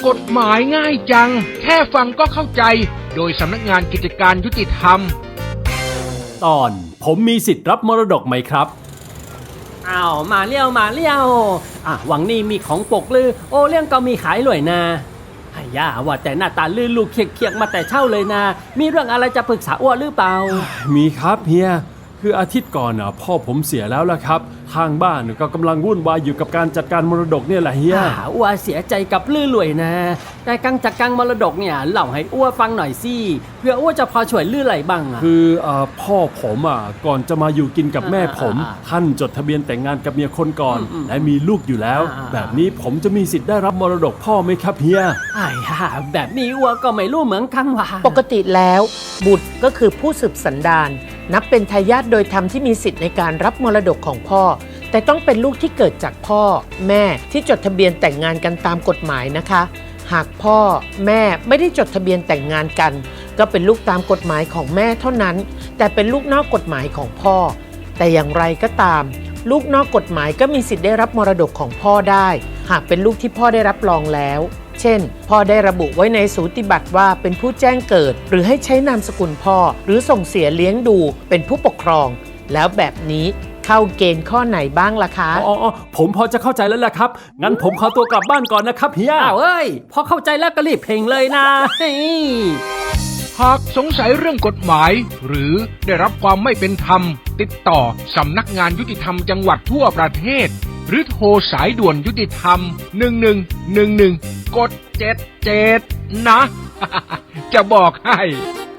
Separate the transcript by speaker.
Speaker 1: กฎหมายง่ายจังแค่ฟังก็เข้าใจโดยสำนักงานกิจการยุติธรรม
Speaker 2: ตอนผมมีสิทธิ์รับมรดกไหมครับ
Speaker 3: อ้าวมาเลี้ยวหวังนี่มีของปกลือโอเลี้ยงก็มีขายหน่วยนะไอ้ย่าว่าแต่หน้าตาลื่นลูกเคียกมาแต่เช่าเลยนะมีเรื่องอะไรจะปรึกษาอ้วนหรือเปล่า
Speaker 2: มีครับเฮียคืออาทิตย์ก่อนพ่อผมเสียแล้วล่ะครับทางบ้านก็กำลังวุ่นวายอยู่กับการจัดการมรดกเนี่ยแหละเฮีย
Speaker 3: อ้วเสียใจกับลื่นรวยนะแต่การจัดการมรดกเนี่ยเล่าให้อ้วฟังหน่อยสิเพื่ออ้วจะพอช่วยลื่นไหลบ้าง
Speaker 2: คือพ่อผมก่อนจะมาอยู่กินกับแม่ผมท่านจดทะเบียนแต่งงานกับเมียคนก่อนและมีลูกอยู่แล้วแบบนี้ผมจะมีสิทธิ์ได้รับมรดกพ่อไหมครับเฮีย
Speaker 3: แบบนี้อ้วก็ไม่รู้เหมือนกันว่า
Speaker 4: ปกติแล้วบุตรก็คือผู้สืบสันดานนับเป็นทายาทโดยธรรมที่มีสิทธิ์ในการรับมรดกของพ่อแต่ต้องเป็นลูกที่เกิดจากพ่อแม่ที่จดทะเบียนแต่งงานกันตามกฎหมายนะคะหากพ่อแม่ไม่ได้จดทะเบียนแต่งงานกันก็เป็นลูกตามกฎหมายของแม่เท่านั้นแต่เป็นลูกนอกกฎหมายของพ่อแต่อย่างไรก็ตามลูกนอกกฎหมายก็มีสิทธิ์ได้รับมรดกของพ่อได้หากเป็นลูกที่พ่อได้รับรองแล้วเช่นพ่อได้ระบุไว้ในสูติบัตรว่าเป็นผู้แจ้งเกิดหรือให้ใช้นามสกุลพ่อหรือส่งเสียเลี้ยงดูเป็นผู้ปกครองแล้วแบบนี้เข้าเกณฑ์ข้อไหนบ้างล่ะคะ
Speaker 2: ผมพอจะเข้าใจแล้วแหละครับงั้นผมขอตัวกลับบ้านก่อนนะครับเฮีย
Speaker 3: พอเข้าใจแล้วก็รีบเพลงเลยนะ
Speaker 1: หากสงสัยเรื่องกฎหมายหรือได้รับความไม่เป็นธรรมติดต่อสำนักงานยุติธรรมจังหวัดทั่วประเทศหรือโทรสายด่วนยุติธรรม1111กด77นะ จะบอกให้